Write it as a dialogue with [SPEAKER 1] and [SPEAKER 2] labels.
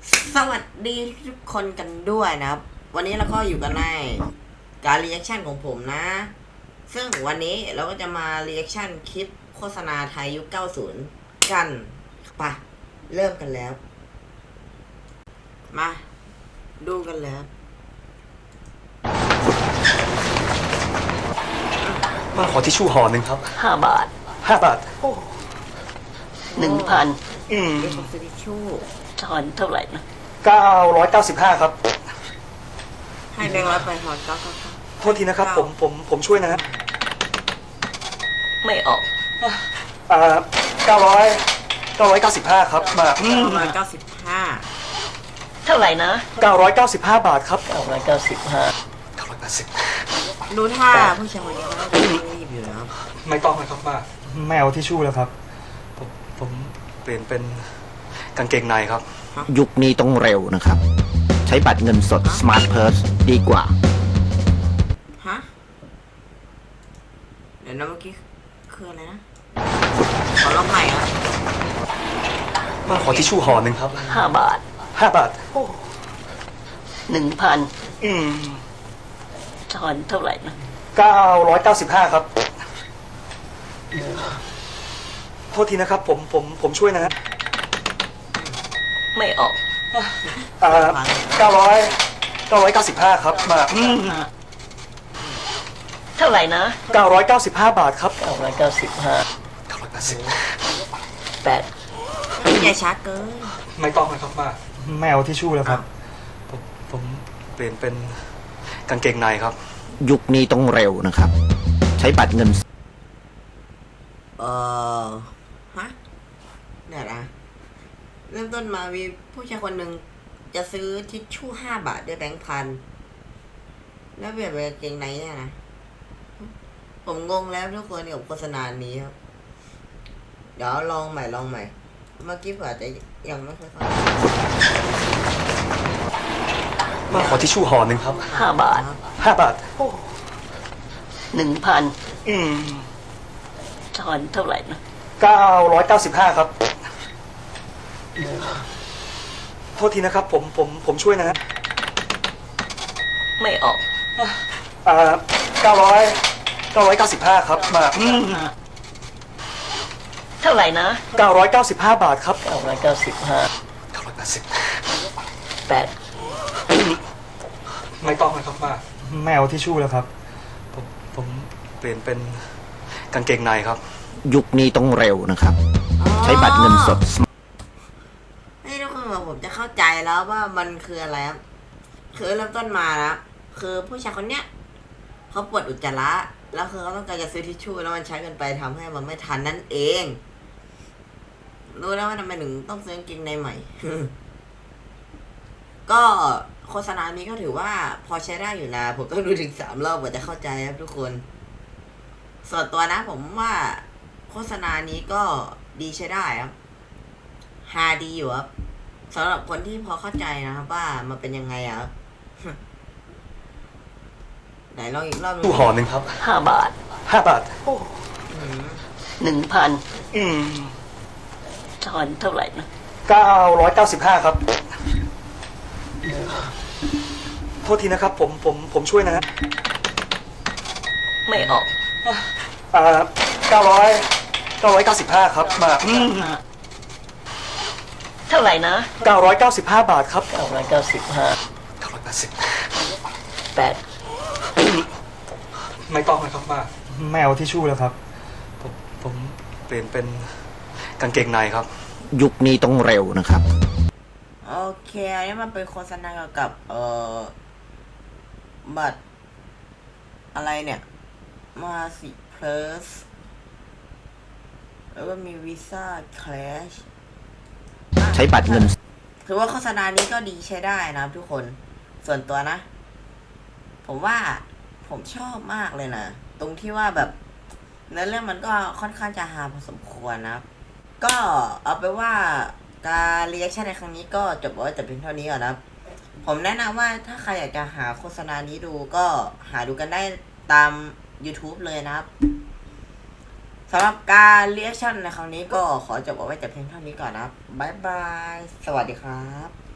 [SPEAKER 1] สวัสดีทุกคนกันด้วยนะครับวันนี้เราก็อยู่กันในการรีแอคชั่นของผมนะ ซึ่งวันนี้เราก็จะมารีแอคชั่นคลิปโฆษณาไทยยุค 90 กันไปเริ่มกันแล้ว มาดูกันแล้ว
[SPEAKER 2] มาขอทิชชู่ห่อหนึ่งครับ
[SPEAKER 3] 5 บาท
[SPEAKER 2] 5 บาท
[SPEAKER 3] 1,000
[SPEAKER 2] อืม
[SPEAKER 1] เดี๋ยวผมซื้อทิชชู่
[SPEAKER 3] ทอนเท่าไหร่นะ
[SPEAKER 2] 995 ครับ
[SPEAKER 1] ให้แบงค์ร้อยไปถอนก็
[SPEAKER 2] โทษทีนะครับ ผมช่วยนะฮะ
[SPEAKER 3] ไม่ออก
[SPEAKER 2] 995 ครับมา
[SPEAKER 1] 995
[SPEAKER 3] เท่าไหร่นะ
[SPEAKER 2] 995 บาทครับ
[SPEAKER 3] 995
[SPEAKER 2] 980
[SPEAKER 1] ดูท่าผู้ชายคนนี้เขาต้องรีบอยู่นะครับ
[SPEAKER 2] ไม่ต้องนะครับป้าไม่เอาทิชชู่แล้วครับ ผมเปลี่ยนเป็นกางเกงในครับ
[SPEAKER 4] ยุคนี้ต้องเร็วนะครับ ใช้บัตรเงินสด Smart Purse ดีกว่า
[SPEAKER 1] ฮะเดี๋ยวนะเมื่อกี้คืออะไรนะขอลองใหม่ครับ
[SPEAKER 2] มาขอทิชชู่ห่อหนึ่งครับ
[SPEAKER 3] 5 บาท
[SPEAKER 2] 5 บาท
[SPEAKER 3] 1,000
[SPEAKER 2] อืม
[SPEAKER 3] ทอนเท่าไหร่นะ
[SPEAKER 2] 995 ครับ โทษทีนะครับ ผมช่วยนะฮะ
[SPEAKER 3] ไม่ออก
[SPEAKER 2] 995 ครับมา
[SPEAKER 3] เท่าไหร่นะ
[SPEAKER 2] 995 บาทครับ
[SPEAKER 3] 995
[SPEAKER 2] 980
[SPEAKER 3] 8
[SPEAKER 1] อย่าช้าเกิน
[SPEAKER 2] ไม่ต้องนะครับป้าไม่เอาทิชชู่แล้วครับ ผมเปลี่ยนเป็นกางเกงในครับ
[SPEAKER 4] ยุคนี้ต้องเร็วนะครับ ใช้บัตรเงิน
[SPEAKER 1] ฮะเนี่ยนะเริ่มต้นมามีผู้ชายคนหนึ่งจะซื้อทิชชู่5 บาทด้วยแบงค์พันแล้วเปลี่ยนเป็นกางเกงในเนี่ยนะผมงงแล้วทุกคนกับโฆษณานี้ครับเดี๋ยวลองใหม่เมื่อกี้เผื่อจะยังไม่ค่อยเข้าใจ
[SPEAKER 2] มาขอทิชชู่ห่อหนึ่งครับ
[SPEAKER 3] 5 บาท
[SPEAKER 2] 5 บาท
[SPEAKER 3] 1,000
[SPEAKER 2] อืม
[SPEAKER 3] ทอนเท่าไหร่นะ
[SPEAKER 2] 995 ครับ โทษทีนะครับ ผมช่วยนะฮะ
[SPEAKER 3] ไม่ออก
[SPEAKER 2] 995 ครับมา
[SPEAKER 3] เท่าไหร่นะ
[SPEAKER 2] 995 บาทครับ
[SPEAKER 3] 995
[SPEAKER 2] 980
[SPEAKER 3] 8
[SPEAKER 2] ไม่ต้องนะครับป้าไม่เอาทิชชู่แล้วครับ ผมเปลี่ยนเป็นกางเกงในครับ
[SPEAKER 4] ยุคนี้ต้องเร็วนะครับ ใช้บัตรเงินสด
[SPEAKER 1] ให้ทุกคนบอกผมจะเข้าใจแล้วว่ามันคืออะไรครับคือเริ่มต้นมานะคือผู้ชายคนเนี้ยเขาปวดอุจจาระแล้วคือเขาต้องการจะซื้อทิชชู่แล้วมันใช้เกินไปทำให้มันไม่ทันนั่นเองรู้แล้วว่าทำไมถึงต้องซื้อกางเกงในใหม่ ก็โฆษณานี้ก็ถือว่าพอใช้ได้อยู่นะผมต้องดูถึง3 รอบกว่าจะเข้าใจครับทุกคน ส่วนตัวนะผมว่าโฆษณานี้ก็ดีใช้ได้ครับฮาดีอยู่ครับสำหรับคนที่พอเข้าใจนะครับว่ามันเป็นยังไงอะครับ ไหนลองอีกรอบหนึ่ง
[SPEAKER 2] ตู้ห่อหนึ่งครับ
[SPEAKER 3] 5 บาท
[SPEAKER 2] 5 บาท
[SPEAKER 3] 1,000
[SPEAKER 2] อืม
[SPEAKER 3] ทอนเท่าไหร่นะ
[SPEAKER 2] 995 ครับ โทษทีนะครับ ผมช่วยนะฮะ
[SPEAKER 3] ไม่ออก
[SPEAKER 2] 995 ครับมา
[SPEAKER 3] เท่าไหร่นะ
[SPEAKER 2] 995 บาทครับ
[SPEAKER 3] 995
[SPEAKER 2] 980
[SPEAKER 3] 8
[SPEAKER 2] ไม่ต้องนะครับป้าไม่เอาทิชชู่แล้วครับ ผมเปลี่ยนเป็นกางเกงในครับ
[SPEAKER 4] ยุคนี้ต้องเร็วนะครับ
[SPEAKER 1] โอเคอันนี้มันเป็นโฆษณาเกี่ยวกับบัตรอะไรเนี่ยมาสิเพลสแล้วก็มีวีซ่าแคลช
[SPEAKER 4] ใช้บัตรเงิน
[SPEAKER 1] ถือว่าโฆษณานี้ก็ดีใช้ได้นะครับทุกคนส่วนตัวนะ ผมว่าผมชอบมากเลยนะตรงที่ว่าแบบเนื้อเรื่องมันก็ค่อนข้างจะฮาพอสมควรนะครับก็เอาไปนว่าการรีแอคชั่นในครั้งนี้ก็จบไว้แต่เพียงเท่านี้ก่อนนะครับผมแนะนำว่าถ้าใครอยากจะหาโฆษณานี้ดูก็หาดูกันได้ตาม YouTube เลยนะครับสำหรับการรีแอคชั่นในครั้งนี้ก็ขอจบเอาไว้แต่เพียงเท่านี้ก่อนนะครับบ๊ายบายสวัสดีครับ